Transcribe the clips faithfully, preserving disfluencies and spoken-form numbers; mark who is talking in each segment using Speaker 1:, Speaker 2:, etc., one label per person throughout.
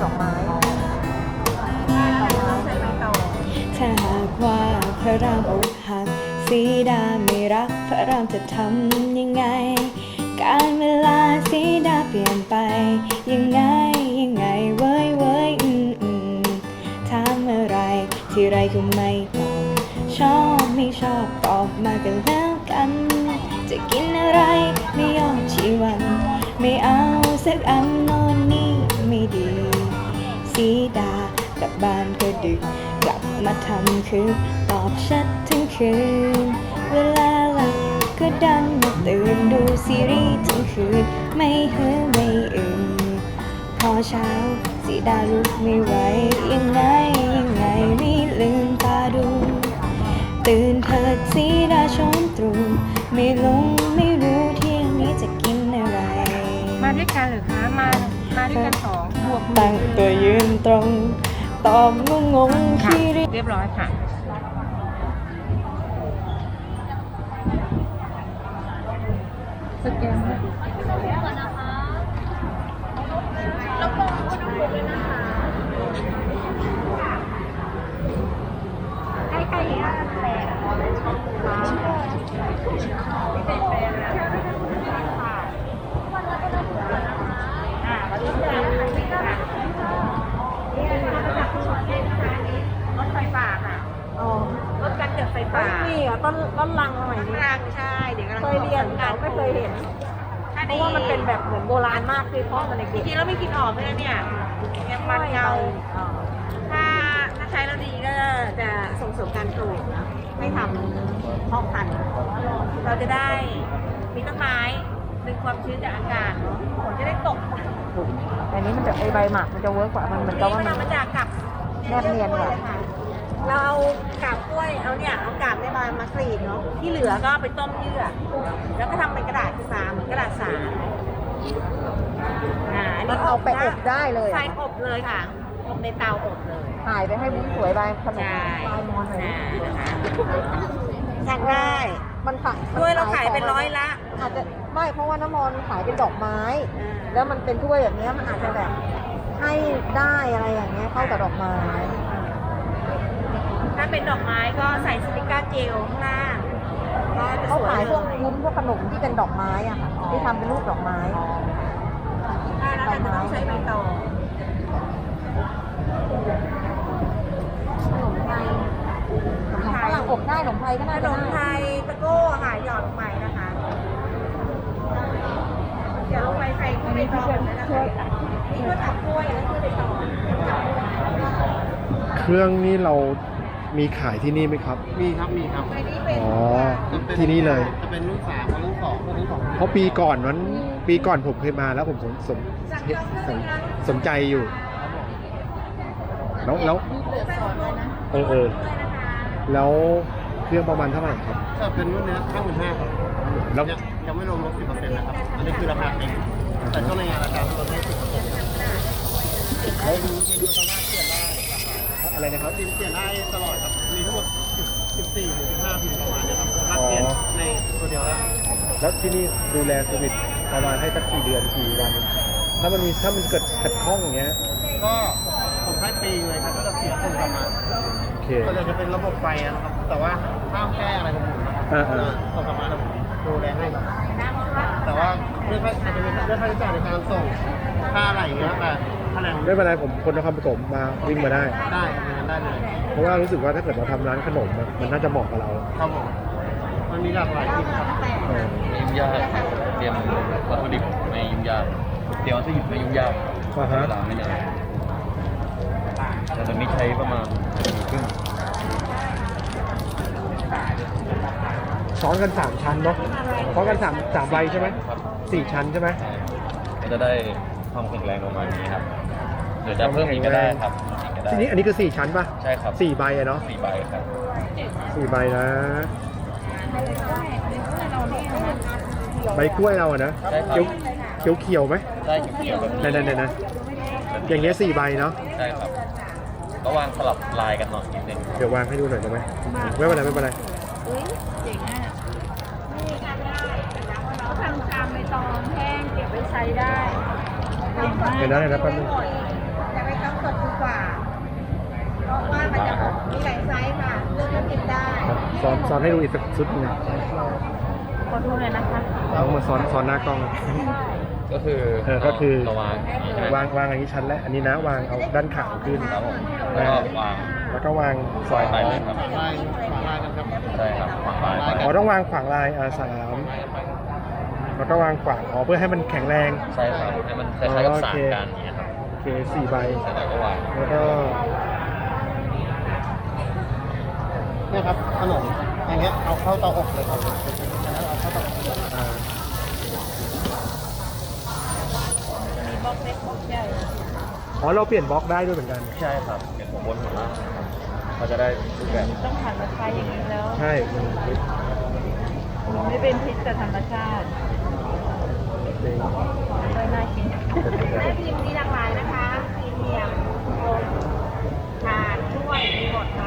Speaker 1: ดอกไม้ถ้าหากว่าพระรามอกหักสีดาไม่รักพระรามจะทำยังไงการเวลาสีดาเปลี่ยนไปยังไงยังไงเว้ยเว้ยอืมอืมถามอะไรที่ไรก็ไม่ตอบชอบไม่ชอบตอบมากันแล้วกันจะกินอะไรไม่ยอมชีวันไม่เอาสักอันโน่นนี่ไม่ดีสีดากลับบ้านก็ดึกกลับมาทำคือตอบชัดทั้งคืนเวลาหลับก็ดันมาตื่นดูซีรีส์ทั้งคืนไม่เหือไม่อื่นพอเช้าสีดาลุกไม่ไหวยังไงยังไงไม่ลืมตาดูตื่นเถิดสีดาช้อนตรู่ไม่ลงไม่รู้เที่ยงนี้จะกินอะไร
Speaker 2: มาด้วยกันหรือคะมามาด้วยกันสองบวก
Speaker 1: ตั้งตัวยืนตรงตอบงงงขี้ริ
Speaker 2: เรียบร้อยค่ะสแกนแล้วก็อุณหภูมิเลยนะคะให้ใครอ่ะแปดเป็นแปดค่ะอ่าวันนี้จะรถไฟฟ้าค่ะอ๋อรถการเกิดไฟฟ้า
Speaker 1: นี่อ่ะต้นต้นลังใหม่นี่
Speaker 2: รังใช่เดี๋ยวกำลัง
Speaker 1: เคยเรียนแต่ไม่เคยเห็นเพราะว่ามันเป็นแบบเหมือนโบราณมากคือเพราะมันเด็ก
Speaker 2: จริงๆแล้วไม่กินออกเลยเนี่ยยังมันเงาถ้าถ้าใช้แล้วดีก็จะส่งเสริมการปลูกนะไม่ทำเพาะพันธุ์เราจะได้มีต้นไม้ดึงความชื้นจากอากาศเนาะฝนจะได้ตก
Speaker 1: อันนี้มันจะไอใบหมักมันจะเวิร์กกว่ามันเหมือนกับว่ามัน
Speaker 2: มาจากกับ
Speaker 1: แนบเนียนกว่า
Speaker 2: เราเอากาบกล้วยเอาเนี่ยเอากาบเนี่ยมามากรีดเนาะที่เหลือก็ไปต้มเยื่อแล้วก็ทำเป็นกระดาษสาเหมือนกระดาษสาอ่าอัน
Speaker 1: มัน
Speaker 2: นี้
Speaker 1: เอาไปอบได้เลย
Speaker 2: ใช่อบเลยค่ะอบในเตาอบเลย
Speaker 1: ถ่ายไปให้วุ้นสวยใบขนม
Speaker 2: ใช่
Speaker 1: ลายมอนหน่อย
Speaker 2: อ่านะคะสั่งได้
Speaker 1: มันขาย
Speaker 2: ถ้วยเราขายเป็นร้อยละ
Speaker 1: อาจจะไม่เพราะว่าน้ำมอนขายเป็นดอกไม้
Speaker 2: อ่า
Speaker 1: แล้วมันเป็นถ้วยแบบนี้มันอาจจะแบบให้ได้อะไรอย่างเงี้ยเข้ากับดอกไม้
Speaker 2: ถ้าเป็นดอกไม้ก็ใส่สติกเกอร์เจลข้างล่างก็จะ
Speaker 1: เขา
Speaker 2: สวย
Speaker 1: ขายพวก
Speaker 2: เลย
Speaker 1: วุ้นพวกขนมที่เป็นดอกไม้อะค่ะที่ทำเป็นรูปดอกไม้
Speaker 2: ถ้าแล้วแต่จะต้องใช้ใบตอง
Speaker 1: ขนมไทยขนมฝรั่งอบได้ขนมไทยก็
Speaker 2: ข
Speaker 1: น่าน จะ
Speaker 2: มไท
Speaker 1: ได้
Speaker 2: ยตะโก้ค่ะหยอดลงไปนะคะเดี๋ยวลงไปใส่ใบตองเลยนะคะนี่ก็ตับกล้วยแล้วคือใบตอง
Speaker 3: เครื่องนี้เรามีขายที่นี่ไหมครับ
Speaker 4: มีครับ มีครับ
Speaker 2: ใบนี้เป็น
Speaker 3: อ๋อ ที่นี่เลย
Speaker 4: จะเป็นรุ่นสามกับรุ่นสองรุ่นสอง
Speaker 3: เพราะปีก่อนนั้นปีก่อนผมเคยมาแล้วผมสนสนสนสนใจอยู่ แล้วแล้วเออเออแล้วเครื่องประมาณเท่าไหร่ครับ
Speaker 4: จะเป็นรุ่นเนี้ห้าหมื่นห้าครับ
Speaker 3: แล้ว
Speaker 4: ยังยังไม่รวมลดสิบเปอร์เซ็นต์นะครับ อันนี้คือราคาเต็มแต่ช่วงในงานราคาลดได้สิบเปอร์เซ็นต์
Speaker 3: แล้วอะไรนะครับ
Speaker 4: ซิมเปลี่ยนได้ตลอดครับ มีทั้งหมดสิบสี่ถึงสิบห้าพิมพ์ประมาณเนี้ยครับสามารถเปลี่ยนในตัวเดียวได้
Speaker 3: แล้วที่นี่ดูแลโควิดประมาณให้สักกี่เดือนกี่วัน ถ้ามันมีถ้ามันเกิดขัดข้องอย่างเงี้ย
Speaker 4: ก็ผมให้ปีเลยครับก็จะเสียคนกลับมา
Speaker 3: โอเค
Speaker 4: ก็เลยจะเป็นระบบไฟนะครับ แต่ว่าห้ามแก้อะไรของผมนะครับ
Speaker 3: อ่าอ่า
Speaker 4: ส่งกลับมาแล้วผมดูแลให้ครับแต่ว่าเรื่องอาจจะเป็นเรื่องค่าใช้จ่ายในการส่งค่าอะไรอย่างเงี้ยแต่ค่าแรง
Speaker 3: ไม่เป็นไรผมคนนครปฐมมาวิ่งมาได้
Speaker 4: ได้ครับอย่างนั้นได้เลย
Speaker 3: เพราะว่ารู้สึกว่าถ้าเกิดเราทำร้านขนมอะมันน่าจะเหมาะกับเรา
Speaker 4: ครับผมมันมีหลากหลายที่ครับ
Speaker 3: เออ
Speaker 5: ไม่ยุ่งยากเตรียมวัตถุดิบไม่ยุ่งยากเตรียมวัตถุดิบไม่ยุ่งยาก
Speaker 3: อ่าฮะ
Speaker 5: เวลาไม่นานแต่ตอนนี้ใช้ประมาณชั่วโมงครึ่ง
Speaker 3: ซ้อนกันสามชั้นเนาะซ้อนกันสามสามใบใช่ไหม
Speaker 5: ครับ
Speaker 3: สี่ชั้นใช่ไหม
Speaker 5: ใช่ก็จะได้ความแข็งแรงประมาณนี้ครับเดี๋ยวจะเพิ่มอีกก็ได้ครับอีกก็ได้
Speaker 3: ทีนี้อันนี้คือสี่ชั้นป่ะ
Speaker 5: ใช่ครับ
Speaker 3: สี่ใบอะเนาะ
Speaker 5: สี่ใบครับ
Speaker 3: สี่ใบนะใบกล้วยเราอะนะ
Speaker 5: ใช่ครั
Speaker 3: เขียว
Speaker 5: บ
Speaker 3: เขียวเขียวไหม
Speaker 5: ได้เขียวๆแบบ
Speaker 3: นั่นนั่นนะอย่างเงี้ยสี่ใบเนาะ
Speaker 5: ใช่ครับก็วางสลับลายกันหน่อยนิดนึง
Speaker 3: เดี๋ยววางให้ดูหน่อยได้ไหมไม่เป็นไรไม่เป็นไร
Speaker 2: เขาทำชามใบตองแห้งเก็บไว้ใช้ได้
Speaker 3: เห็นนะเห็นนะแป๊บนึง
Speaker 2: แต่ใบตเพราะว่ามันจะมีหลายไซส์ค่ะเลือกแล้วกินได้
Speaker 3: ครับซ้อนซ้อนให้ดูอีกสักชุดหนึง
Speaker 2: ขอดูหน่อยนะคะ
Speaker 3: เอามาซ้อนซ้อนหน้ากล้อง
Speaker 5: ก็คือ
Speaker 3: เออก็คือ
Speaker 5: ระวางอย่างนี้ใช่ไหม
Speaker 3: วางวางอย่างนี้ชั้นแรกอันนี้นะวางเอาด้านขาวขึ้น
Speaker 5: ครับผมแล้วก็วาง
Speaker 3: แล้วก็วาง
Speaker 5: ซอยไปเลยครับ
Speaker 4: ลายขวางลายกันครับ
Speaker 5: ใช่ครับวางไปไป
Speaker 3: อ๋อต้องวางขวางลายอ่าสามแล้วก็วางขวางอ๋อเพื่อให้มันแข็งแรง
Speaker 5: ใช่ครับให้มันคล้ายๆกับสารกันอย่างเงี้ยครับ
Speaker 3: โอเคสี่ใบ
Speaker 5: เสร็จแล้วก็วาง
Speaker 3: แล้วก็
Speaker 4: เนี่ยครับขนมอย่างเงี้ยเอาเข้าเตาอบเลยครับแล้วเอาเข้าเตาอบ
Speaker 3: อ่า
Speaker 2: มีบล็อกเล็กบล็อกใหญ่
Speaker 3: อ๋อเราเปลี่ยนบล็อกได้ด้วยเหมือนกัน
Speaker 5: ใช่ครับเป็นหัวบนหัวล่างครับเขาจะได้รูปแบบ
Speaker 2: ต้องผ่านราคาอย่างนี้แล้ว
Speaker 3: ใช่มัน
Speaker 2: ไม่เป็นพิษแต่ธรรมชาติ
Speaker 3: เป็น
Speaker 2: เลยน่ากินแม่พิมพ์มีหลากหลายนะคะพรีเมียมโอมทานช่วยมีหมดค่ะ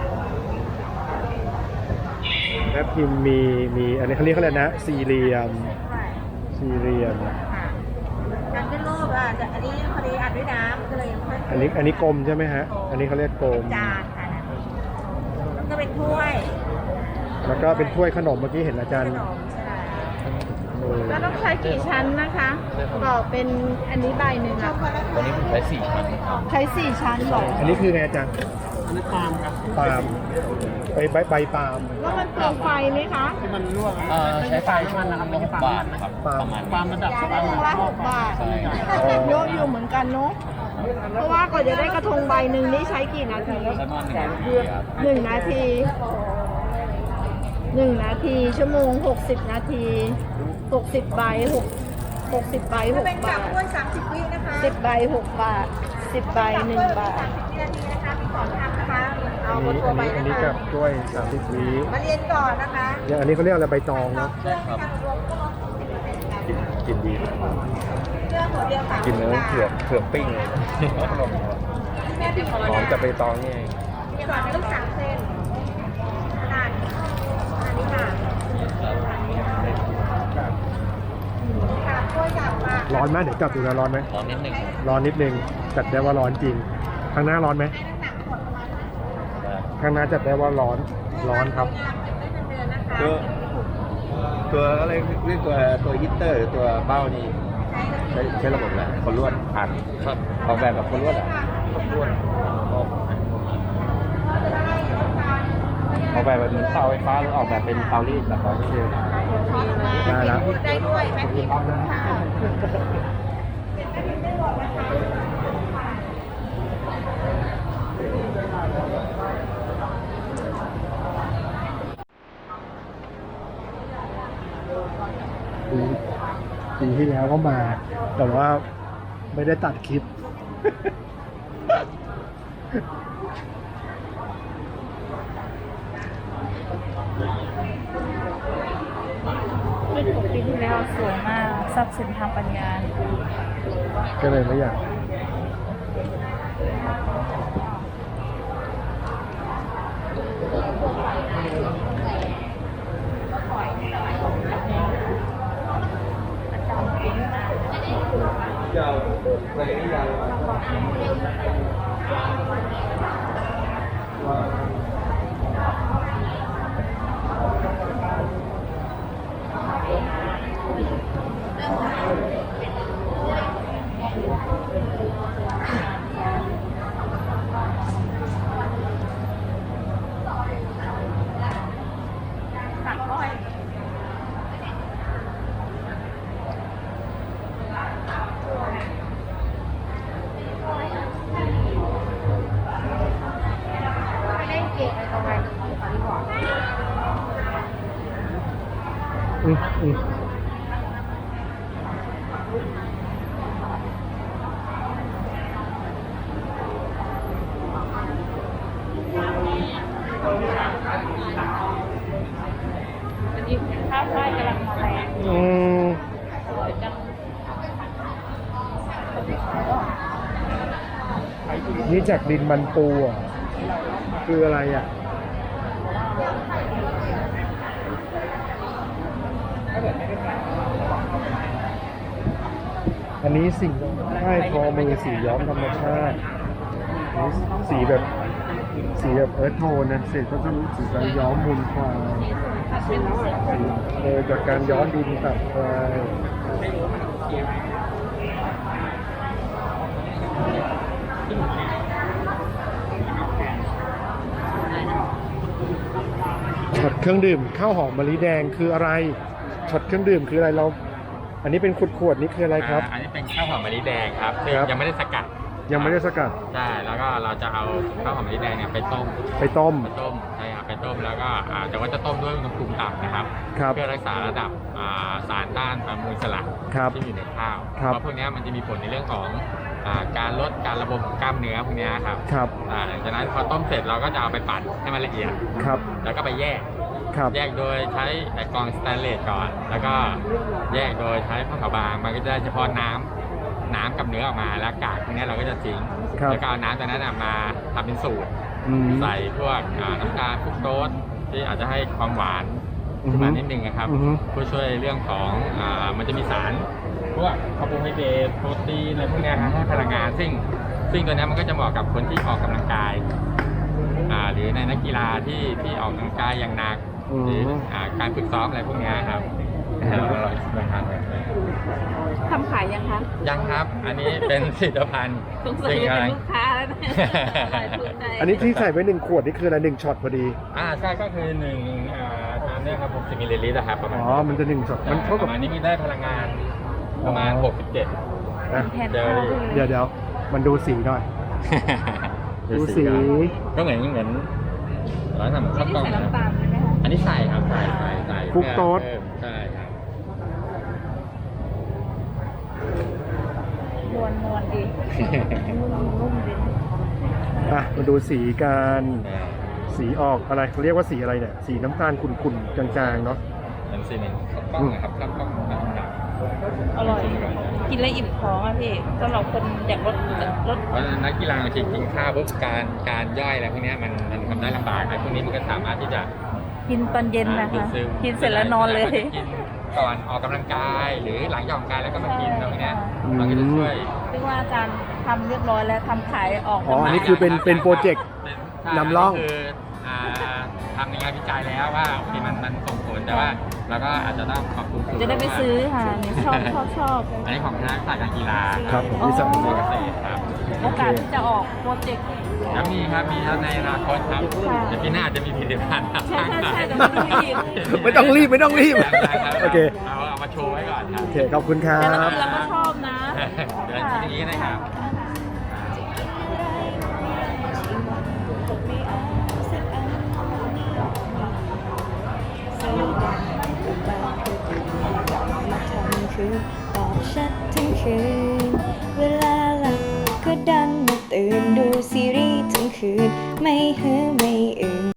Speaker 3: แอปพิมพ์มีมีอันนี้เขาเรียกเขาเรียกนะสี่เหลี่ยมสี่เหลี่ยม
Speaker 2: ค่ะการขึ้นรูปอ่ะจะอันนี้พอดีอัดด้วยน้ำก็เลยยังไม่ค่อย
Speaker 3: อันนี้อันนี้กลมใช่ไหมฮะ อันนี้เขาเรียกกลม
Speaker 2: จานค่ะแล้วก็เป็นถ้วย
Speaker 3: แล้วก็เป็นถ้วยขนมเมื่อกี้เห็นอาจาร
Speaker 2: ข
Speaker 3: ย์
Speaker 2: นมใช่
Speaker 3: เออ
Speaker 2: แล้วต้องใช้กี่ชั้นนะคะบอกเป็นอันนี้ใบหนึ่งอะ
Speaker 5: ตอนนี้ผมใช้สี่ชั้นครับ
Speaker 2: ใช้สี่ชั้นหรอ
Speaker 3: อันนี้คือไงอาจารย์
Speaker 4: อันนี้ปาล์มครับ
Speaker 3: ปาล์มใบใบใบปาล์ม
Speaker 2: แล้วมันเปลืองไฟไหมคะ
Speaker 4: ที่มันรั่วครับ
Speaker 5: เอ่อใช้ไฟชั่วโมงละหกบาทครับประมาณ
Speaker 4: ปาล์มระดับ
Speaker 2: ชั่วโมงละหกบาท
Speaker 5: ใช่
Speaker 2: เยอะอยู่เหมือนกันเนาะเพราะว่าก่อนจะได้กระทงใบหนึ่งนี่ใช้กี่นาที
Speaker 5: ใช้ประมาณหนึ่งนาทีครับ
Speaker 2: หนึ่งนาทีหนึ่งนาทีชั่วโมงหกสิบนาทีหกสิบใบหกหกสิบใบหกบาทสามสิบวินะคะสิบใบหกบาทสิบใบหนึ่งบาท
Speaker 3: อันนี้อันนี้อันนี้กับกล้วยสามสิบวิ
Speaker 2: มาเรียนก่อนนะคะ
Speaker 3: อย่างอันนี้เขาเรียกอะไรใบตองเนาะ
Speaker 5: ใช่ครับ
Speaker 3: กินกินดี
Speaker 2: เรื่องหัวเดียวค่ะ
Speaker 3: กินแล้วเผือกเผือกปิ้งเลยขนม
Speaker 2: แม่พิมพ์ขอ
Speaker 3: หอมจากใบตองนี่เอง
Speaker 2: มีก่อนเป็นลูกสามเส้นขนาดอันนี้ค่ะค่ะกล้วยจับมา
Speaker 3: ร้อนไหมเดี๋ยวจับดูนะร้อนไหม
Speaker 5: ร้อนนิดนึง
Speaker 3: ร้อนนิดนึงจัดได้ว่าร้อนจริง ข้างหน้าร้อนไหม ข้างหน้าจัดได้ว่าร้อนร้อนครับ
Speaker 6: ตัวตัวอะไรเรียกตัวตัวฮีตเตอร์หรือตัวเบ้านี่ใช้ใช้ระบบอะไรคนลวดผ่าน
Speaker 5: ครับ
Speaker 6: ออกแบบกับคนลวดอ่ะ
Speaker 5: ลวดออก
Speaker 6: ออกแบบแบบเหมือนเตาไฟฟ้าหรือออกแบบเป็นเตารีดแบบเตารีด
Speaker 3: ได้แล้ว
Speaker 2: พูดได้ด้วยแม่พิมพ์ค่ะ
Speaker 3: ปีปีที่แล้วก็มา แต่ว่าไม่ได้ตัดคลิป
Speaker 1: คลิปของปีที่แล้วสวยมากทรัพย์สินทางปัญญา
Speaker 3: ก็เลยไม่อยาก อืมอืมอืมนี่จากดินมันปูอ่ะ คืออะไรอ่ะ อันนี้สิ่งใต้ทอมือสีย้อมธรรมชาติอันนี้สีแบบสีแบบเอิร์ธโทนนะเสร็จก็จะรู้สีการย้อมมูลควายเออจากการย้อนดินตัดควายช็อตเครื่องดื่มข้าวหอมมะลิแดงคืออะไรช็อตเครื่องดื่มคืออะไรเรา อันนี้เป็นขวดๆนี่คืออะไรครับ
Speaker 5: อันนี้เป็นข้าวหอมมะลิแดงครับซึ่ง
Speaker 3: ครับ
Speaker 5: ยังไม่ได้สกัด
Speaker 3: ยังไม่ได้สกัด
Speaker 5: ใช่แล้วก็เราจะเอาข้าวหอมมะลิแดงเนี่ยไปต้ม
Speaker 3: ไปต้ม
Speaker 5: ไปต้มใช่ครับไปต้มแล้วก็อ่าแต่ว่าจะต้มด้วยอุณหภูมิต่ำนะครับ
Speaker 3: ครับ
Speaker 5: เพื่อรักษาระดับอ่าสารต้านอนุมูลอิสระ
Speaker 3: ครับ
Speaker 5: ที่อยู่ในข้าว
Speaker 3: ครับ
Speaker 5: เพราะพวกเนี้ยมันจะมีผลในเรื่องของอ่าการลดการระบมของกล้ามเนื้อพวกเนี้ยครับ
Speaker 3: ครับ
Speaker 5: อ่าหลังจากนั้นพอต้มเสร็จเราก็จะเอาไปปั่นให้มันละเอียด
Speaker 3: ครับ
Speaker 5: แล้วก็ไปแยก
Speaker 3: ครับ
Speaker 5: แยกโดยใช้ไอกรองสแตนเลสก่อน แล้วก็แยกโดยใช้ผ้าขาวบางมันก็จะได้เฉพาะน้ำน้ำกับเนื้อออกมาแล้วกากพวกนี้เราก็จะทิ้ง
Speaker 3: ครับ
Speaker 5: แล้วก็เอาน้ำตัวนั้นนะมาทำเป็นสูตร
Speaker 3: อืม
Speaker 5: ใส่พวกอ่าน้ำตาลฟรุกโตสที่อาจจะให้ความหวาน
Speaker 3: อือฮึ
Speaker 5: ขึ้นมานิดนึงนะครับ
Speaker 3: อือฮึ
Speaker 5: เพื่อช่วยเรื่องของอ่ามันจะมีสารพวกคาร์โบไฮเดรตโปรตีนอะไรพวกเนี้ยครับให้พลังงาน ซึ่งซึ่งตัวเนี้ยมันก็จะเหมาะกับคนที่ออกกำลังกายอ่าหรือในนักกีฬาที่ที่ออกกำลังกายอย่างหนัก
Speaker 3: อืม
Speaker 5: หรืออ่าการฝึกซ้อมอะไรพวกเนี้ยครับอร่อยลองทานเลย
Speaker 2: ทำขายยังคะ
Speaker 5: ยังครับ อันนี้เป็นผลิตภัณฑ์
Speaker 2: สงสัย
Speaker 5: ซึ่ง
Speaker 2: จะ
Speaker 5: กำ
Speaker 2: เป็
Speaker 5: ลั
Speaker 2: น
Speaker 5: ง
Speaker 2: ลูกค้าแล้วนะอร่อยถูกใจ
Speaker 3: อันนี้ที่ใส่ไว้หนึ่งขวดนี่คืออะไรหนึ่งช็อตพอดี
Speaker 5: อ่าใช่ก็คือหนึ่งอ่าตามเนี่ยครับหกสิบมิลลิลิตรนะครับประมาณ
Speaker 3: อ๋อ มันจะหนึ่งช็อต มันเท่า
Speaker 5: ป
Speaker 3: กับ
Speaker 5: ระมาณนี้มีได้พลังงานประมาณ หกสิบเจ็ด
Speaker 3: อ่ะ
Speaker 2: แทน
Speaker 5: เดี๋ยว
Speaker 2: ข้าวด้วย
Speaker 3: เดี๋ยวเดี๋ยวมันดูสีหน่อย ดูสี
Speaker 5: ก็เหมือนเหมือนร้านทำข้าวกล้อง
Speaker 2: ใส่
Speaker 5: นะ
Speaker 2: น้ำตาลใช่ไหมคะ
Speaker 5: อันนี้ใส่ครับใส่ใส่ใส่
Speaker 3: ฟรุกโตส
Speaker 5: เพิ่มใช่ครับ
Speaker 2: มวนมวนดีนุ่มๆดี
Speaker 3: อ่ะมาดูสีการสีออกอะไรเขาเรียกว่าสีอะไรเนี่ย สีน้ำตาลขุ่นๆจางๆเนาะ
Speaker 5: เป็นซีเมนต์ข้าวกล้องนะครับข้าวกล้องแบบหนัก
Speaker 2: อร่อย กินแล้วอิ่มท้องอ่ะพี่สำหรับคนอยากลดลด
Speaker 5: เพราะฉะนั้นนักกีฬาบางทีกินข้าวปุ๊บการการย่อยอะไรพวกเนี้ยมันมันทำได้ลำบากไอ้พวกนี้มันก็สามารถที่จะ
Speaker 2: กินตอนเย็นนะ
Speaker 5: ดูด
Speaker 2: คะ
Speaker 5: ซึม
Speaker 2: กินเสร็จแล้วนอนเลย
Speaker 5: กินก่อนออกกำลังกาย หรือหลังจากออกกำลังกายแล้วก็มากินตรงเนี้ยมันก็จะช่วย
Speaker 2: เรียกว่าอาจารย์ทำเรียบร้อยแล้วทำขายออก
Speaker 3: อ๋อ อันนี้คือเป็นเป็นโปรเจกต์
Speaker 5: เป็น
Speaker 3: นำร่อง
Speaker 5: คืออ่าทำในงานวิจัยแล้วว่าโอเคมันมันส่งผลแต่ว่าเราก็อาจจะต้องขอบคุณครู
Speaker 2: จะได้ไปซื้อค่ะเนี่ยชอบชอบชอบ
Speaker 5: อันนี้ของคณะศาสตร์การกีฬา
Speaker 3: ครับผม
Speaker 2: อ๋อ
Speaker 3: ที่สั่ง
Speaker 5: เก
Speaker 3: มา
Speaker 5: ษตรครับ
Speaker 2: โอกาสที่จะออกโปรเจกต์
Speaker 5: แล้วมีครับมีครับในอนาคตครับ
Speaker 2: ค่ะ
Speaker 5: แต่ปีหน้าอาจจะมีผลิตภัณฑ์ครับ
Speaker 2: ใช่ใช่ใช่แต่ไม่ต้องรีบ
Speaker 3: ไม่ต้องรีบไม่ต้องรีบ
Speaker 5: ยังๆครับ
Speaker 3: โอเค
Speaker 5: เอาเอามาโชว์ไว้ก่อนครับ
Speaker 3: โอเค ขอบคุณครั
Speaker 2: แต่เรา
Speaker 3: บ
Speaker 2: กินเราก็ชอบนะ
Speaker 5: เดี๋ยวทีนี้นะครับ
Speaker 1: คือตอบชัดทั้งคืน เวลาหลับก็ดันมาตื่นดูซีรีส์ทั้งคืน ไม่หือไม่อื่น